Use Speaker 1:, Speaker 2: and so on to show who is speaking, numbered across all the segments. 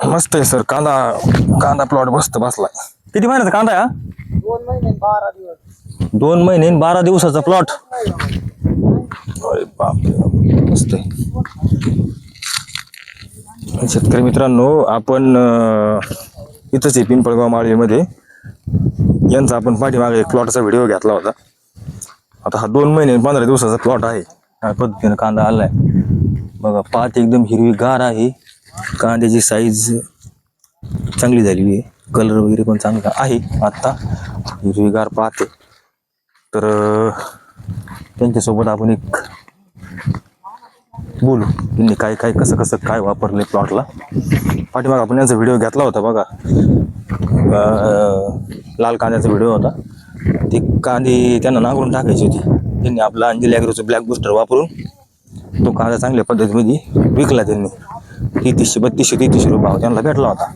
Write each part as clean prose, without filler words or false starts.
Speaker 1: मस्त आहे सर. कांदा कांदा प्लॉट मस्त बसलाय. किती महिन्याचा कांदा आहे हा?
Speaker 2: 2 महिने 12 दिवस.
Speaker 1: 2 महिने 12 दिवसाचा प्लॉट. अरे बापरे, मस्त आहे. शेतकरी मित्रांनो, आपण इथंच आहे पिंपळगाव माळीमध्ये. यांचा आपण पाठीमागे एक प्लॉटचा व्हिडिओ घेतला होता. आता हा 2 महिने 15 दिवसाचा प्लॉट आहे. या पद्धतीनं कांदा आलाय बघा. पात एकदम हिरवीगार आहे. कांद्याची साईज चांगली झालेली आहे. कलर वगैरे पण चांगला आहे. आत्ता हिरवीगार पात आहे. तर त्यांच्यासोबत आपण एक बोलू, त्यांनी काय काय कसं कसं काय वापरले प्लॉटला. पाठीमाग आपण यांचा व्हिडिओ घेतला होता बघा. लाल कांद्याचा व्हिडिओ होता. ते कांदे त्यांना नांगरून टाकायची होती. त्यांनी आपला अंजली ॲग्रोचं ब्लॅक बूस्टर वापरून तो कांदा चांगल्या पद्धतीमध्ये विकला. त्यांनी 3200-3300 रुपये भाव त्यांना भेटला होता.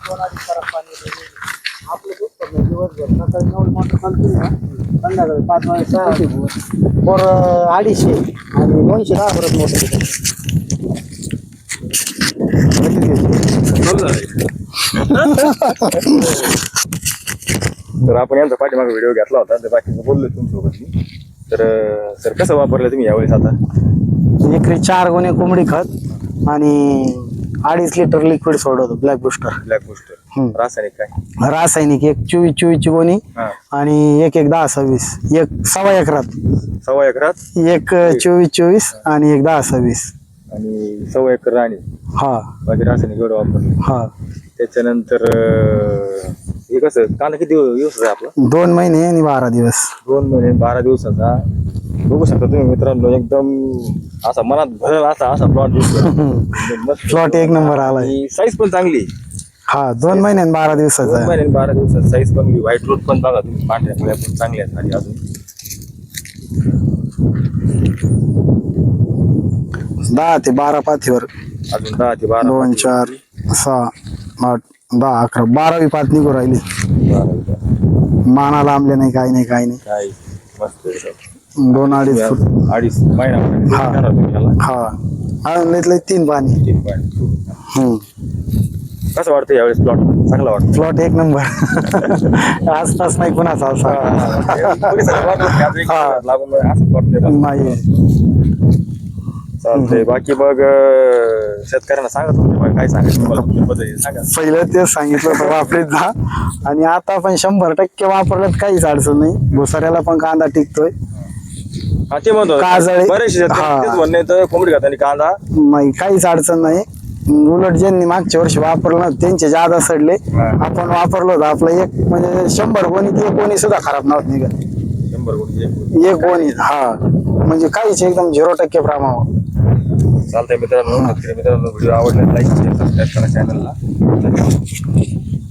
Speaker 2: संध्याकाळी 5 वाजता 250 आणि 210 परत मोठं.
Speaker 1: तर आपण यांचा पाठीमागे व्हिडिओ घेतला होता. तर बाकीचं बोललो तुमच्यासोबत मी. तर सर कसं वापरलं तुम्ही यावेळेस? आता
Speaker 2: एकरी 4 गोणे कोंबडी खत आणि 2.5 लिटर लिक्विड सोडवतो ब्लॅक बुस्टर.
Speaker 1: ब्लॅक बूस्टर रासायनिक काय?
Speaker 2: रासायनिक एक 24 ची गोणी आणि एक 10-26. एक 1.25 एकरात.
Speaker 1: 1.25 एकरात
Speaker 2: एक 24 आणि एक 10-26
Speaker 1: आणि 1.25 एकर राणी.
Speaker 2: हा
Speaker 1: बाकी रासायनिक एवढं वापरलं.
Speaker 2: हा.
Speaker 1: त्याच्यानंतर हे कसं कांदा किती दिवसाचा आहे आपला?
Speaker 2: 2 महिने आणि 12 दिवस.
Speaker 1: 2 महिने 12 दिवसाचा. बघू शकता तुम्ही मित्रांनो, एकदम असा मनात भरल असा प्लॉट दिसतो.
Speaker 2: प्लॉट एक नंबर आलाय.
Speaker 1: साईज पण चांगली.
Speaker 2: हा 2 महिने आणि 12 दिवसाचा
Speaker 1: 2 महिने 12 दिवसात साईज पण. व्हाईट रोड पण बघा तुम्ही, पांढऱ्या मुळ्या पण चांगल्या आहेत. आणि अजून
Speaker 2: 10 ते 12 पाथीवर.
Speaker 1: अजून 10 ते 12
Speaker 2: 2 4 6 8 10 11 12वी पात निघू राहिली. माना लांबले नाही, काही नाही काही नाही.
Speaker 1: काय मस्त आहे.
Speaker 2: 2-2.5 फूट.
Speaker 1: 2.5 महिना.
Speaker 2: हा आळंदीतले 3 पाणी.
Speaker 1: कसं वाटतं यावेळेस प्लॉट? चांगला वाटतं.
Speaker 2: प्लॉट एक नंबर. आसपास नाही कुणाचा असा नाही.
Speaker 1: चालतंय. बाकी मग शेतकऱ्यांना सांगा तुम्ही काय सांगायचं सांगा.
Speaker 2: पहिलं तेच सांगितलं होतं वापरीत जा. आणि आता पण 100% वापरलं काहीच अडचण नाही. भुसाऱ्याला पण कांदा टिकतोय.
Speaker 1: हा ते म्हणतो
Speaker 2: काजळी.
Speaker 1: बरेचसे शेतकरी म्हणणे तर कोंबडी खाताना कांदा
Speaker 2: नाही, काहीच अडचण नाही. उलट ज्यांनी मागच्या वर्षी वापरलं ना त्यांचे जादा सडले. आपण वापरलो होतं आपलं एक म्हणजे 100 गोणी ती एक गोणी सुद्धा खराब नव्हत निघत.
Speaker 1: 100 गोणी
Speaker 2: एक गोणी. हा म्हणजे काहीच एकदम 0% प्रमाण.
Speaker 1: चालतंय मित्रांनो. व्हिडिओ आवडला लाईक शेअर सबस्क्राईब करा चॅनलला.